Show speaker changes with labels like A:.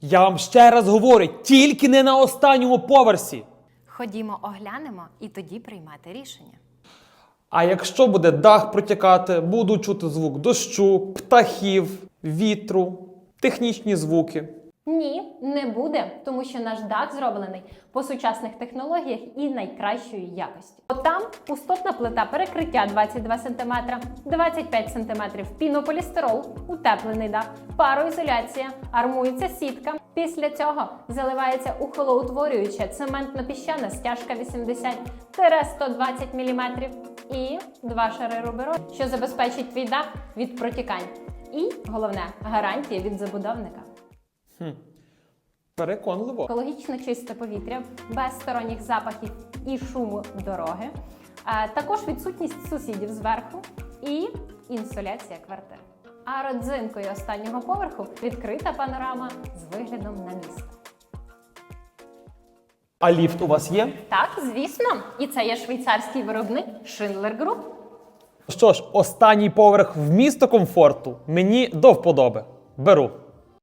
A: Я вам ще раз говорю, тільки не на останньому поверсі.
B: Ходімо, оглянемо і тоді приймати рішення.
A: А якщо буде дах протікати, буду чути звук дощу, птахів, вітру, технічні звуки.
C: Ні, не буде, тому що наш дах зроблений по сучасних технологіях і найкращої якості. От там пустотна плита перекриття 22 см, 25 см пінополістирол, утеплений дах, пароізоляція, армується сітка. Після цього заливається ухолоутворююча цементно-піщана стяжка 80-120 мм і 2 шари рубероль, що забезпечить твій дах від протікань. І, головне, гарантія від забудовника.
A: Переконливо.
C: Екологічно чисте повітря, без сторонніх запахів і шуму дороги, а також відсутність сусідів зверху і інсоляція квартир. А родзинкою останнього поверху відкрита панорама з виглядом на місто.
A: А ліфт у вас є?
C: Так, звісно, і це є швейцарський виробник Schindler Group.
A: Що ж, останній поверх в місто комфорту мені до вподоби. Беру.